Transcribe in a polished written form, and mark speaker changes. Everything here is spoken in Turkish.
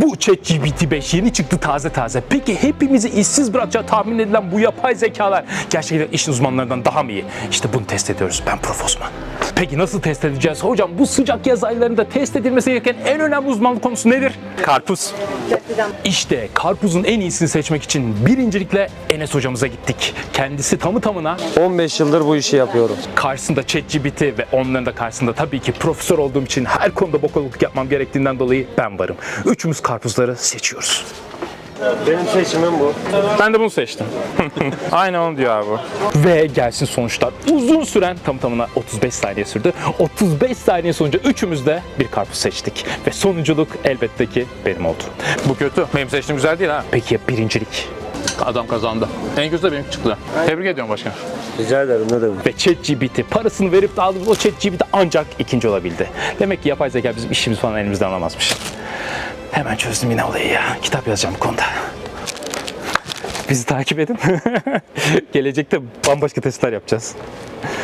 Speaker 1: Bu ChatGPT 5 yeni çıktı taze taze. Peki hepimizi işsiz bırakacağı tahmin edilen bu yapay zekalar gerçekten işin uzmanlarından daha mı iyi? İşte bunu test ediyoruz. Ben Prof. Osman. Peki nasıl test edeceğiz? Hocam bu sıcak yaz aylarında test edilmesi gereken en önemli uzmanlık konusu nedir? Karpuz. İşte karpuzun en iyisini seçmek için birincilikle Enes hocamıza gittik. Kendisi tamı tamına
Speaker 2: 15 yıldır bu işi yapıyorum.
Speaker 1: karşısında ChatGPT ve onların da karşısında tabii ki profesör olduğum için her konuda bokoluk yapmam gerektiğinden dolayı ben varım. Üçümüz karpuzları seçiyoruz.
Speaker 2: Benim seçimim bu.
Speaker 1: Ben de bunu seçtim.
Speaker 2: Aynen onu diyor abi.
Speaker 1: Ve gelsin sonuçlar. Uzun süren tam tamına 35 saniye sürdü. 35 saniye sonucu üçümüz de bir karpuz seçtik. Ve sonunculuk elbette ki benim oldu.
Speaker 3: Bu kötü. Benim seçtiğim güzel değil ha.
Speaker 1: Peki ya birincilik?
Speaker 3: Adam kazandı. En güzel benim çıktı. Tebrik ediyorum başkan.
Speaker 2: Rica ederim, ne demek.
Speaker 1: Ve ChatGPT parasını verip de aldığımız o ChatGPT ancak ikinci olabildi. Demek ki yapay zeka bizim işimiz falan elimizden alamazmış. Hemen çözdüm yine olayı ya. Kitap yazacağım bu konuda. Bizi takip edin. Gelecekte bambaşka testler yapacağız.